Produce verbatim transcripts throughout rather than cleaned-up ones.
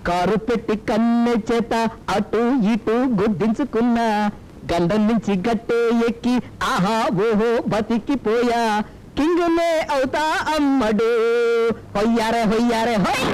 Car పెట్టి కన్నె చేత అటు ఇటు గుద్దించుకున్నా గండం నుంచి గట్టే ఎక్కి ఆహా ఓహో బతికిపోయా కింగునే అవుతా అమ్మడు హొయ్యారే హొయ్యారే హొయ్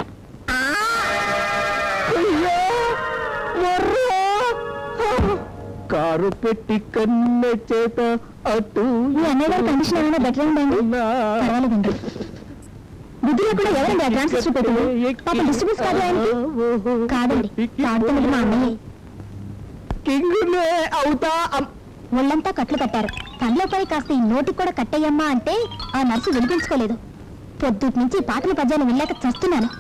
కారు పెట్టి కన్నె చేత అటు కండిషన్ ఏమైనా బెటర్ ఉందండి పర్వాలేదండి బుద్ధిలో కూడా ఎవరండి ఆ ట్రాన్సిస్టర్ పెట్టింది పాపం డిస్టర్బెన్స్ కాదు ఆయనకి కాదండి కాడుతున్నది మా అన్నయ్య కింగునే అవుతా ఒళ్ళంతా కట్లు కట్టారు కళ్ళపై కాస్త ఈ నోటికి కూడా కట్టయ్యమ్మా అంటే ఆ నర్సు వినిపించుకోలేదు పొద్దుటి నుంచి పాటల పద్యాలు వెళ్ళాక చస్తున్నాను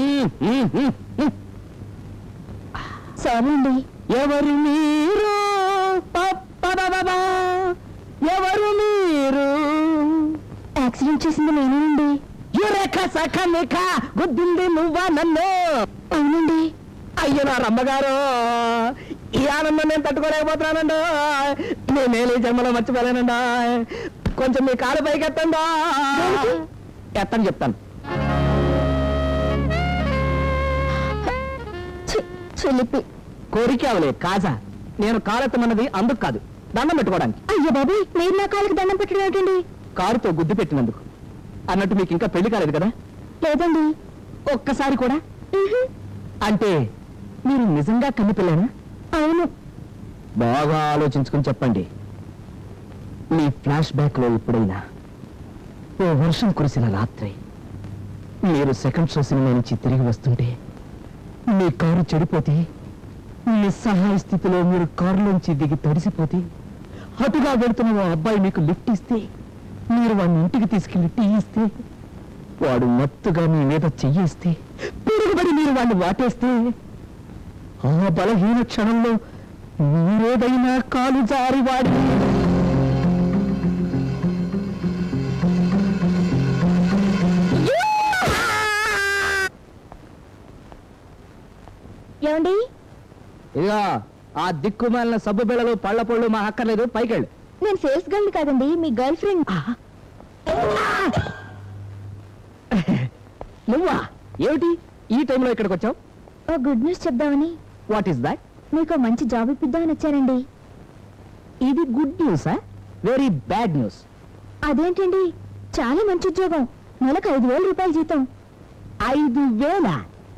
సారీ అండి ఎవరు మీరు ఎవరు మీరు యాక్సిడెంట్ చేసింది నేనేనండి యురేఖ సఖ నిఖ గుద్దింది నువ్వా నన్ను అవునండి అయ్యో నా రమ్మగారు ఈ ఆనందం నేను తట్టుకోలేకపోతున్నానండి నేనే జన్మలో మర్చిపోలేనండి కొంచెం మీ కాలు పైకి ఎత్తండి ఎత్తని చెప్తాను చెల్లిపి కోరిక అవలే కాజా నేను కాలెత్తమన్నది అందుకు కాదు దండం పెట్టుకోవడానికి అయ్యో బాబు మీరు నా కాళ్ళకి దండం పెట్టడం ఏంటండి కారుతో గుద్దు పెట్టినందుకు అన్నట్టు మీకు ఇంకా పెళ్లి కాలేదు కదా లేదండి ఒక్కసారి కూడా అంటే మీరు నిజంగా కన్నిపిల్లేనా అవును బాగా ఆలోచించుకుని చెప్పండి మీ ఫ్లాష్ బ్యాక్ లో ఎప్పుడైనా ఓ వర్షం కురిసిన రాత్రి మీరు సెకండ్ షో సినిమా నుంచి తిరిగి వస్తుంటే మీ కారు చెడిపోతే నిస్సహాయ స్థితిలో మీరు కారులోంచి దిగి తడిసిపోతే అటుగా వెళుతున్న ఓ అబ్బాయి మీకు లిఫ్ట్ ఇస్తే మీరు వాడిని ఇంటికి తీసుకెళ్లి టీ ఇస్తే వాడు మత్తుగా మీ మీద చెయ్యేస్తే పిరుగుబడి మీరు వాడిని వాటేస్తే ఆ బలహీన క్షణంలో మీరేదైనా కాలు జారి వాడి ఏమండి ఇదిగా ఆ దిక్కుమాలిన సబ్బు బిళ్ళలు పళ్ళ పళ్ళు మా అక్కర్లేదు పైకెళ్ళు నేను సేల్స్ గర్ల్ కాదండి మీ గర్ల్ ఫ్రెండ్ నువ్వా ఏమిటి ఈ టైంలో ఇక్కడికి వచ్చావు ఓ గుడ్ న్యూస్ చెప్దామని వాట్ ఈస్ దాట్ మీకు మంచి జాబ్ ఇప్పిద్దామని వచ్చానండి ఇది గుడ్ న్యూసా వెరీ బ్యాడ్ న్యూస్ అదేంటండి చాలా మంచి ఉద్యోగం నెలకు ఐదు వేల రూపాయల జీతం ఐదు వేల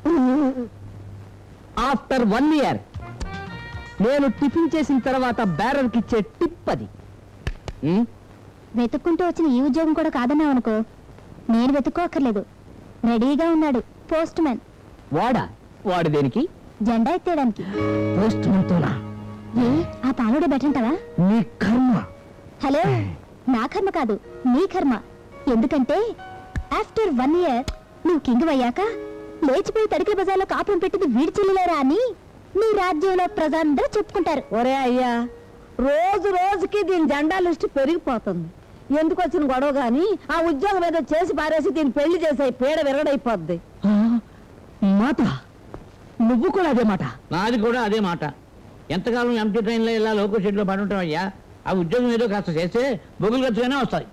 ఆఫ్టర్ వన్ ఇయర్ నేను టిఫిన్ చేసిన తర్వాత బ్యారర్కి ఇచ్చే టిప్ అది వెతుక్కుంటూ వచ్చిన ఈ ఉద్యోగం కూడా కాదన్నావు అనుకో నేను వెతుక్కోక్కర్లేదు రెడీగా ఉన్నాడు పోస్ట్ మ్యాన్ వాడా వాడు దేనికి జెండా ఎత్తేయడానికి పోస్ట్ మ్యాన్తోనా ఏ ఆ పాలుడే బెటంటావా నీ కర్మ హలో నా కర్మ కాదు నీ కర్మ ఎందుకంటే ఆఫ్టర్ వన్ ఇయర్ నువ్వు కింగ్ అయ్యాక లేచిపోయి తడికల బజార్లో కాపురం పెట్టింది వీడి చెల్లిలేరా అని నీ రాజ్యంలో ప్రజలందరూ చెప్పుకుంటారు. ఒరే అయ్యా, రోజు రోజుకి దీని జెండా లిస్ట్ పెరిగిపోతుంది. ఎందుకు వచ్చిన గొడవ గాని ఆ ఉద్యోగం ఏదో చేసి పారేసి దీన్ని పెళ్లి చేసే పీడ విరగడైపోద్ది. మాట నువ్వు కూడా అదే మాట. నాది కూడా అదే మాట. ఎంతకాలం ఎంటీ ట్రైన్లో ఇలా లోకల్ షెడ్లో పడి ఉంటాం అయ్యా. ఆ ఉద్యోగం ఏదో కాస్త చేస్తే బొగులు ఖర్చుగానే వస్తాయి.